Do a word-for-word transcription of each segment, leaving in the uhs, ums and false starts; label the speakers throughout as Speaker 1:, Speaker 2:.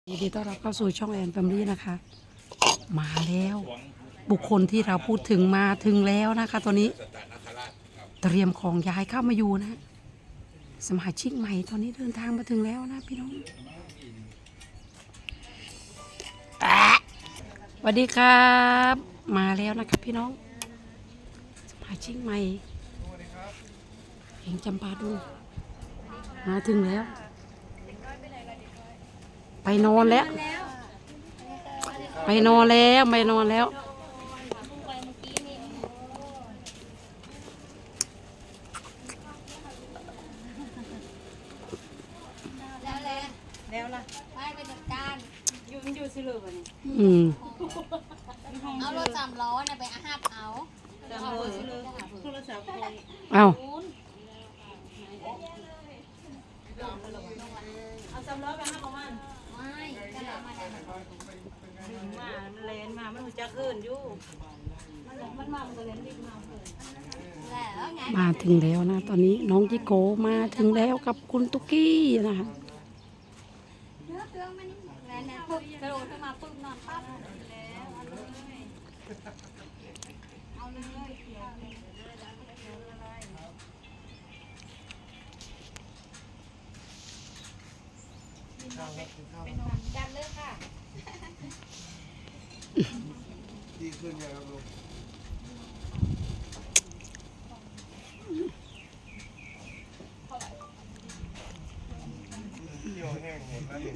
Speaker 1: ยินดีต้อนรับเข้าสู่ช่องแอนแฟมิลี่นะคะมาแล้วบุคคลที่เราพูดถึงมาถึงแล้วนะคะตอนนี้เตรียมของย้ายเข้ามาอยู่นะสมาชิกใหม่ตอนนี้เดินทางมาถึงแล้วนะพี่น้องสวัสดีครับมาแล้วนะครับพี่น้องสมาชิกใหม่เองจำปาดูมาถึงแล้วไปนอนแล้วไปนอนแล้วไปนอนแล้ว
Speaker 2: แล้วล่ะไปไปจัดการอยู่มันอยู่สิลูกวันนี้
Speaker 1: อืม
Speaker 2: เอารถสามล้อเนี่ยไปอาหับเอาสามล้อสิลูกโทรศัพท์
Speaker 1: เอา
Speaker 2: เอาสามล้อไปหับเอามันไม่ก็เลยมาได้มามันเลนมามันหัวจะขึ้นอยู่มันมันมามันก็เลนดิบมาแล้วไง
Speaker 1: มาถึงแล้วนะตอนนี้น้องจิโกมาถึงแล้วกับคุณตุ๊กกี้นะคะ
Speaker 2: เนื้อเตื้องมันแล้วเนี่ยปุ๊บกระโดดขึ้นมาปุ๊บนอนปั๊บแล้วเอาเลยเอาเลยเขียวไปนอนจัดเลยค่ะ
Speaker 3: ดีขึ้นยังครับลูกเที่ยวแห้งหมดแล้วนี่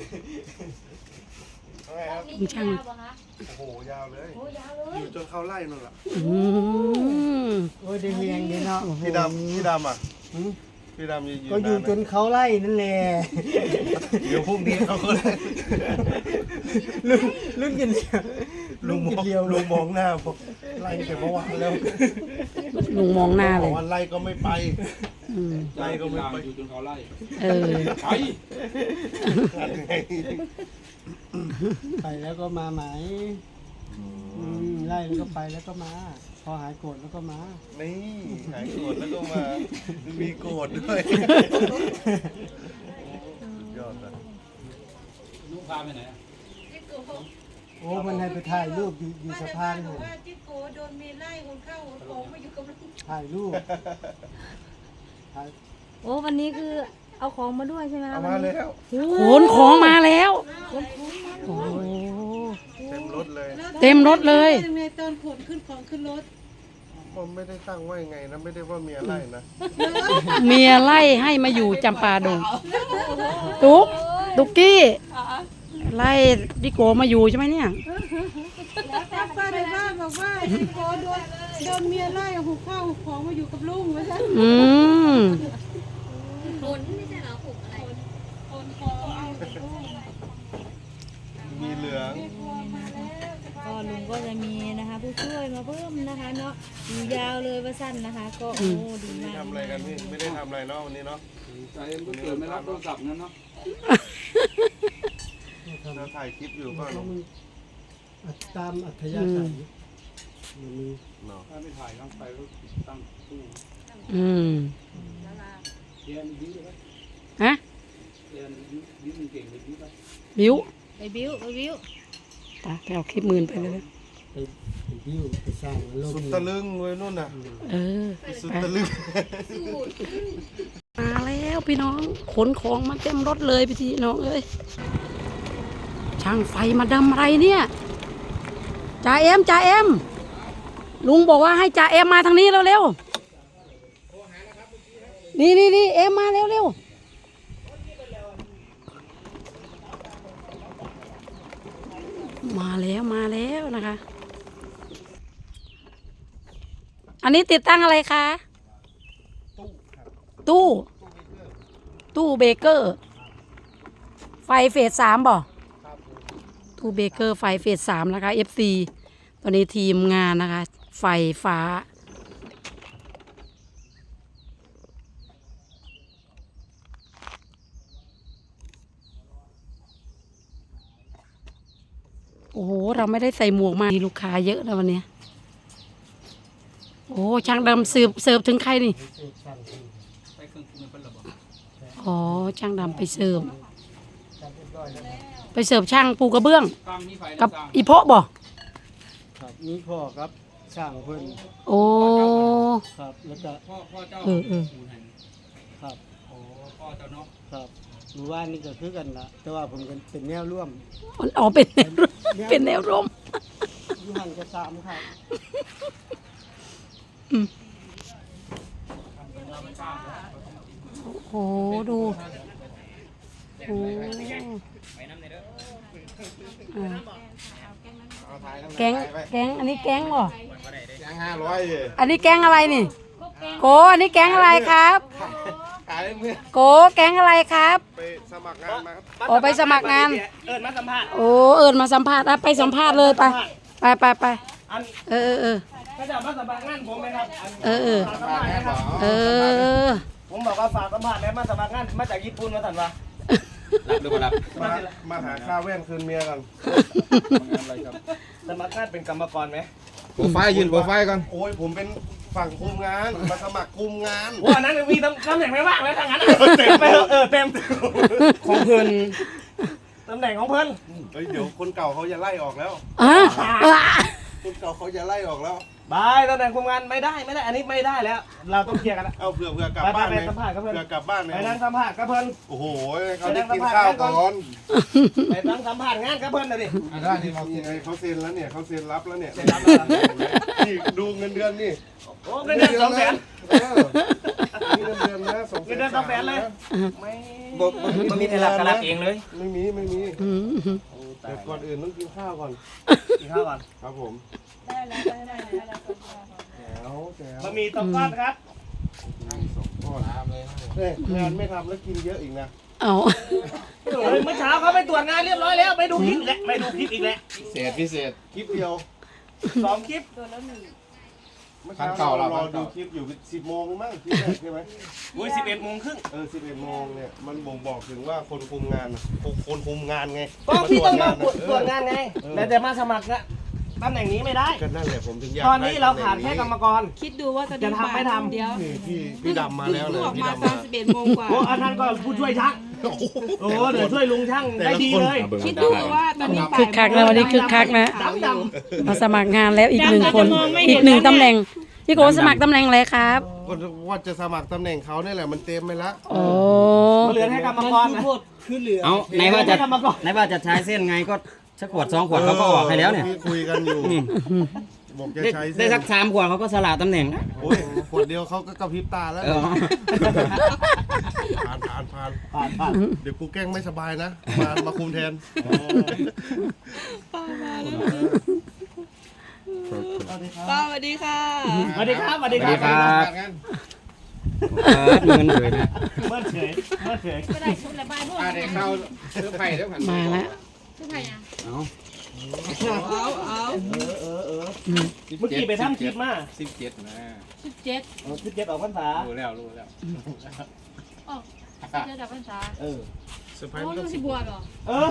Speaker 3: อะไรครับ
Speaker 1: คุณช่าง
Speaker 3: โอ้โหยาวเลยอยู่จนเข้าไล่นั่นแหละ
Speaker 1: อืม
Speaker 4: โอ้ยได้เรียงดีเนาะ
Speaker 3: พี่ดำพี่ดำอ่ะพี่ดำยืน
Speaker 4: ก็อยู่จนเขาไล่นั่นแหละ
Speaker 3: เดี๋ยวพรุ่งนี้เขาก็ไล่
Speaker 4: ลุงลุงกินเดียว
Speaker 3: ลุงมอง
Speaker 4: เดียว
Speaker 3: ลุงมองหน้าบอกไล่แต่เมื่อวานแล้ว
Speaker 1: ลุงมองหน้า
Speaker 3: บ
Speaker 1: เล
Speaker 3: อก
Speaker 1: ย
Speaker 3: ว่าไล่ก็ไม่ไป
Speaker 1: อืม
Speaker 3: ไล่ก็ไม่ไป
Speaker 5: อยู่จนเขาไล่
Speaker 1: เออ
Speaker 5: ไป
Speaker 4: ไปแล้วก็มาไหมอืมไล่แล้วก็ไปแล้วก็มา พอหายโกรธแล้วก็มา
Speaker 3: นี่หายโกรธแล้วก็มามีโกรธด้วยยอดเลย
Speaker 5: ลูกพาไปไหนอะ
Speaker 4: โอ้มันให้ไปถ่ายรูปอยู่อยู่สะพานเลย
Speaker 6: ว่าจิ๊กโกโดนเมียไล่คนเข้าของมาอยู่กับลูก
Speaker 4: ถ่ายรูปถ่าย
Speaker 7: โอ้วันนี้คือเอาของมาด้วยใช่ไหม
Speaker 3: เอา
Speaker 7: คะ
Speaker 3: มาแล้ว
Speaker 1: ขนของมาแล้วโอ้
Speaker 3: เต็มรถเลย
Speaker 1: เต็มรถเลย
Speaker 6: ยังไงตอนขนขึ้นของขึ้นรถ
Speaker 3: ผมไม่ได้ตั้งว่ายังไงนะไม่ได้ว่าเมียไล่นะ
Speaker 1: เมียไล่ให้มาอยู่จำปาดงตุ๊กตุ๊กกี้ไล่ดิโกมาอยู่ใช่ไหมเนี่ย
Speaker 6: แล้วป้าป้าในบ้านบอกว่าจิ๊กโกโดนโดนเมียไล่หุบข้าวหุบของมาอยู่กับลุงว่าใช่
Speaker 1: อืม
Speaker 2: ขนไม่ใช่เหรอผูกอะไร
Speaker 6: คนขอเอาไปลูก
Speaker 3: มีเหลือง
Speaker 7: ก็ลุงก็จะมีนะคะผู้ช่วยมาเพิ่มนะคะเนาะอยู่ยาวเลยว่าสั้นนะคะ ก็โอ้ดี
Speaker 3: นี่
Speaker 7: มาก
Speaker 3: ทำอะไรกันพี่ไม่ได้ทำอะไรเนาะวันนี้เนาะ
Speaker 5: ใจเอ็มก็เกิดไม่รับโทรศัพท์งั้นเนาะ
Speaker 3: เราถ่ายคลิปอยู่เปล่าเนาะ
Speaker 4: ตามอัธยาศัยมันมี
Speaker 3: เนาะ
Speaker 5: ถ้าไม่ถ่ายต้องไปก็ตั้งตู้
Speaker 1: อืม
Speaker 5: เรียนยิ้มเลย
Speaker 1: ฮะ
Speaker 5: เรียนยิ้มยิ้มเก่งเลยยิ้มไป
Speaker 1: บิ้ว
Speaker 7: ไปบิ้วไปบิ้ว
Speaker 1: ตาไปเอาคลิปมืนไปเลย
Speaker 4: ไปไปวิวไปสร้างอารม
Speaker 3: สุด
Speaker 4: ณ์
Speaker 3: ตะลึงเลยนู่นน่ะ
Speaker 1: เออ
Speaker 3: สุด
Speaker 1: ไป
Speaker 3: ตะลึง
Speaker 1: มาแล้วพี่น้องขนของมาเต็มรถเลยพี่น้องเอ้ยช่างไฟมาดำอะไรเนี่ยจ่าเอ็มจ่าเอ็มลุงบอกว่าให้จ่าเอ็มมาทางนี้เร็วๆนี่นี่นี่เอ็มมาเร็วๆมาแล้วมาแล้วนะคะ อันนี้ติดตั้งอะไรคะตู้ ตู้เบเกอร์ ไฟเฟสสามบ่ตู้เบเกอร์ไฟเฟสสามนะคะ เอฟ ซี ตอนนี้ทีมงานนะคะ ไฟฟ้า โอ้โห เราไม่ได้ใส่หมวกมามีลูกค้าเยอะแล้ววันนี้ โอ้ช่างดำเสิร์ฟเสิร์ฟถึงใครนี่
Speaker 5: ไปเครื่องคุมเป็นระบบ
Speaker 1: อ๋อช่างดำไปเสิร์ฟ
Speaker 4: จัดเรียบร้อยแล้ว
Speaker 1: ไปเสิร์ฟช่างปูกระเบื้อง
Speaker 5: ตามนี้ไฟ
Speaker 1: กับอีโพะบ่
Speaker 4: ครับนี่พ่อครับช่างเพิ่น
Speaker 1: โอ้
Speaker 4: ครับแล้วก็
Speaker 5: พ่อพ่อเจ้า
Speaker 1: เออเออ
Speaker 4: ครับ
Speaker 5: โอ้พ่อเจ้าเนาะ
Speaker 4: ครับหมู่บ้านนี่ก็คือกันละแต่ว่าผมเป็นเป็นแนวร่วม
Speaker 1: อ๋อเป็นแนวเป็นแนวร่ม
Speaker 4: อยู่ห่างกันสามครับ
Speaker 1: โอ้โหดูโอ้อ่าแก๊งแก๊งอันนี้แก๊งบ่
Speaker 3: แกงห้าร้อยเลย
Speaker 1: อันนี้แก๊งอะไรนี่โกอันนี้แก๊งอะไรครับ
Speaker 3: ขายเมื่อ
Speaker 1: โกแก๊งอะไรครับ
Speaker 3: ไปสมัครงานมาครับ
Speaker 1: โอ้ไปสมัครงาน
Speaker 4: เอิญมาสัมภาษณ์
Speaker 1: โอ้เอิญมาสัมภาษณ์อ่ะไปสัมภาษณ์เลยไปไปไปไป
Speaker 4: อัน
Speaker 1: เออเออเออ
Speaker 4: ก็จะมาสัมภาษณ์งานผมไหมครับอัน
Speaker 1: เออเออ
Speaker 4: ฝากสัมภาษณ์นะครับ
Speaker 1: เออ
Speaker 4: ผมบอกว่าฝากสัมภาษณ์แล้วมาสมัครงานมาจากญี่ปุ่นมาสั่นวะ
Speaker 5: รับหรือเปล่ารับ
Speaker 3: มามาหาค่าแว่นคืนเมียกัน
Speaker 5: อะไรครับ
Speaker 4: สมัครงานเป็นกรรมกรไหม
Speaker 3: โปรไฟล์ยืนโปรไฟล์ก่อนโอ้ยผมเป็นฝั่งคุมงานมาสมัครคุมงาน
Speaker 4: ว่านั้นมีตำตำแหน่งไม่ว่างแล้วทางนั้นเต็มไปเออเต็มของเพิ่นตำแหน่งของเพิ่น
Speaker 3: เฮ้ยเดี๋ยวคนเก่าเขาจะไล่ออกแล้ว
Speaker 1: อ่ะอ่ะ
Speaker 3: คนเก่าเขาจะไล่ออกแล้ว
Speaker 4: บายตำแหน่งคุมงานไม่ได้ไม่ได้อันนี้ไม่ได้แล้ว เราต้องเคลียร์กันแล้ว
Speaker 3: เอาเผื่อเผื่อกลับ
Speaker 4: ไป
Speaker 3: บ้าน
Speaker 4: ไป
Speaker 3: เลย
Speaker 4: สัมภาษณ์กับเพื่อน
Speaker 3: เผื่อกลับบ้านเลย
Speaker 4: ไปนั่งสัมภาษณ์กับเพิ่น
Speaker 3: โอ้โหเขาได้กินข้าวก่อน
Speaker 4: ไปนั่งสัมภาษณ์งานกับเพิ่นเลยดิ
Speaker 3: อ่ะได้นี่เขาเซ็นเขาเซ็นแล้วเนี่ยเขาเซ็นรับแล้วเนี่ย
Speaker 4: เซ็นรับแล้วเหรอ
Speaker 3: นี่ดูเงินเดือนนี่
Speaker 4: โอ้เงินเดือนสองแสน
Speaker 3: เออนี่เงินเดือนนะสองแสน
Speaker 4: เงินเดือนสองแสนเลย ไม่
Speaker 3: บอกมัน
Speaker 4: มีแต่หลักการเองเลย
Speaker 3: ไม่มีไม่มี
Speaker 1: อืม
Speaker 3: เดี๋ยวก่อนอื่นต้องกินข้าวก่อน
Speaker 4: กินข้าวก่อน
Speaker 3: ครับผม
Speaker 6: ได้แล้วได้แล้วได้แล้ว
Speaker 3: แจ๋วแจ๋ว
Speaker 4: บะหมี่ต้มก้อนครับ
Speaker 3: ก็ทำเลยเอ้ยงานไม่ทำแล้วกินเยอะอีกนะ
Speaker 1: เอา
Speaker 4: เฮ้ยเมื่อเช้าเขาไปตรวจงานเรียบร้อยแล้วไปดูคลิปอีกแล้วไปดูคลิปอีกแล้ว
Speaker 3: พิเศษพิเศษคลิปเดียว
Speaker 4: สองคลิป
Speaker 3: เมื่อเช้าเรารอดูคลิปอยู่สิบโมงมั้งคลิปแรกใช่ไหม
Speaker 4: อุ้ยสิบเอ็ดโมงครึ่ง
Speaker 3: เออสิบเอ็ดโมงเนี่ยมันบ่งบอกถึงว่าคนคุมงานน่ะคนคุมงานไง
Speaker 4: ก็พี่ต้องมาตรวจ
Speaker 3: เอ
Speaker 4: ตรว
Speaker 3: อ
Speaker 4: จงานไงแล้วจะมาสมัครนะตำแหน่งนี้ไม่ได้
Speaker 3: ก็นั่นแหละผมถึงอยาก
Speaker 4: ตอนนี้เราขาดแค่กรรมกร
Speaker 6: คิดดูว่าตอน
Speaker 4: จะ
Speaker 6: นี้
Speaker 4: ทำไม่ทำ
Speaker 6: เดี๋ยว
Speaker 3: นี่พี่พี่ดำมาแล้วเลย
Speaker 6: ออก
Speaker 3: พี่
Speaker 6: มา
Speaker 3: ดำ
Speaker 6: ตอ
Speaker 3: มาน
Speaker 6: สิบเอ็ดโมงกว่า
Speaker 4: โอ้อันนั้นก็ผู้ช่วยช่าง
Speaker 3: โอ้โห
Speaker 4: โอ้เดี๋ยวช่วยลุงช่างได้ดีเลย
Speaker 6: คิดดูว่าตอนนี้บ่าย
Speaker 1: คึกคักนะวันนี้คึกคักนะ
Speaker 4: ดำด
Speaker 1: มาสมัครงานแล้วอีกหนึ่งคน อีกหนึ่งตำแหน่งพี่โกสมัครตำแหน่งอะไรครับ
Speaker 3: ก็ว่าจะสมัครตำแหน่งเขาเนี่ยแหละมันเต็มไปแล้ว
Speaker 1: โอ้
Speaker 4: ำเหลือให้กรรมกรนะ
Speaker 8: เอาไหนว่าจะ
Speaker 4: ให้กรรมกร
Speaker 8: ไหนว่าจะใช้เส้นไงก็สักขวดสองขวดเขาก็ออกให้แล้วเนี่ย
Speaker 3: ที่คุยกันอยู่บอกจะ
Speaker 8: ได้
Speaker 3: ใช้
Speaker 8: ได้
Speaker 3: เส้น
Speaker 8: สักสามขวดเขาก็สละตำแหน่งนะ
Speaker 3: โอ้ยขวดเดียวเขาก็กระพริบตาแล้ว
Speaker 8: เออ
Speaker 3: ผ่านผ่านผ่าน
Speaker 4: ผ่านผ่าน
Speaker 3: เดี๋ยวกูแกล้งไม่สบายนะ มามาคุมแทน
Speaker 6: ป้าสวัสดีค่ะ
Speaker 4: สวัสดีครับสวัสดี
Speaker 8: ส
Speaker 4: ค
Speaker 8: วัส
Speaker 4: รั
Speaker 8: ดี
Speaker 4: บ
Speaker 8: ครับเออเงินเลยนะ
Speaker 4: เมื่อเฉยเมื่อเฉย
Speaker 6: ไม่ได้ชุดละบายพวก
Speaker 5: อ่าเด็กเข้าซื้อไผ่แล้วผ่าน
Speaker 1: มาแล้ว
Speaker 6: ชุดไทยอ่ะ
Speaker 8: เอา
Speaker 6: เอาเอา
Speaker 4: เออเออเออเมื่อกี้ไปทำคลิปมา
Speaker 5: สิบเจ็ดนะ
Speaker 6: ชุดเจ็ด
Speaker 4: เออคลิปเจ็ดออกพรรษา
Speaker 5: รู้แล้วรู้แล้ว
Speaker 6: อ๋อเจ็ดดับพรรษา
Speaker 4: เออ
Speaker 3: เซอร์ไพร
Speaker 6: โอ้
Speaker 3: ส์
Speaker 6: ลูกสิบวชเหรอ
Speaker 4: เออ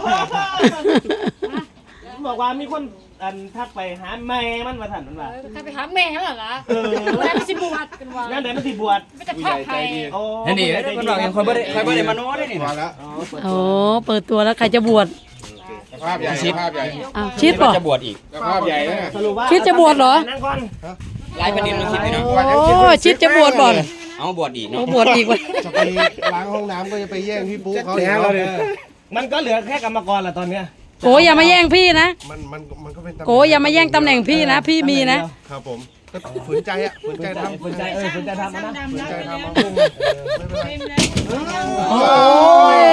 Speaker 4: บอกว่ามีคนอันทักไปหาแม่มันมาถันมันว่า
Speaker 6: ใครไปหาแม่เหรอล่ะ
Speaker 4: เออ
Speaker 6: แล้วไปสิบวชกันวะ
Speaker 4: งั้นเดี๋ยวมันสิบวช
Speaker 6: ไม่จะพาใคร
Speaker 4: โอ้
Speaker 8: นี่นี่คนบอกยังคอยบ่ได้คอยบ่ได้มาโน้ได้นี่
Speaker 3: มาแล้ว
Speaker 1: โอ้เปิดตัวแล้วใครจะบวช
Speaker 5: สภาพใหญ่สภาพใหญ่
Speaker 1: อ้าวชิดป่ะ
Speaker 8: จะบวชอีก
Speaker 5: สภาพใหญ่นะ
Speaker 4: สรุปว่า
Speaker 1: คิดจะบวชเหรอ
Speaker 4: นั่งก่อน
Speaker 8: หลายประเด็นมันคิดไปเนาะ
Speaker 1: โอ้ชิดจะบวชบ่อน
Speaker 8: เอาบวชอีก
Speaker 1: โอ้
Speaker 8: เนาะ
Speaker 1: บวชอีกว่ะ
Speaker 3: จะไปล้างห้องน้ำก็จะไปแย่งพี่ปุ๊เขาอีก
Speaker 4: มันก็เหลือแค่กรรมกรแหละตอนเนี้ย
Speaker 1: โกอย่ามาแย่งพี่นะ
Speaker 3: มันมันมันก็เป็นตำแหน่ง
Speaker 1: โกอย่ามาแย่งตำแหน่งพี่นะ พี่มีนะ
Speaker 3: ครับผมก็ฝืนใจอ่ะฝืนใจทำ
Speaker 4: ฝืนใจเออฝืนใจทำนะ
Speaker 3: ฝืนใจทำมาพุ่งไม่เป็นไร
Speaker 1: โอ้ย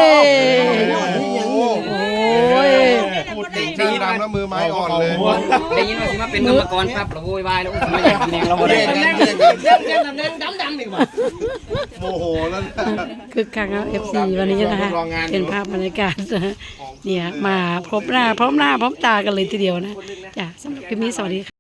Speaker 1: โอ้ย
Speaker 3: พูดถึงช่างดำแล้วมือไม้อ่อนเลย
Speaker 8: ได้ยินว่าสิมาเป็นกรรมกรครับเราโวยวายแล้วอุ้ยมาแย่งตำแหน่งเราบ่ได้
Speaker 3: แย่ง
Speaker 4: เล่
Speaker 3: กัน
Speaker 4: น
Speaker 3: แย่งกัน
Speaker 4: เล่นเล่นตำแหน่งดำดำดีกว่า
Speaker 3: โมโหแล้วนะ
Speaker 1: คึกคักครับ เอฟ ซี วันนี้นะคะเป็นภาพบรรยากาศเนี่ยมาพบหน้าพร้อมหน้าพร้อมตากันเลยทีเดียวนะจ้ะสำหรับคลิปนี้สวัสดีค่ะ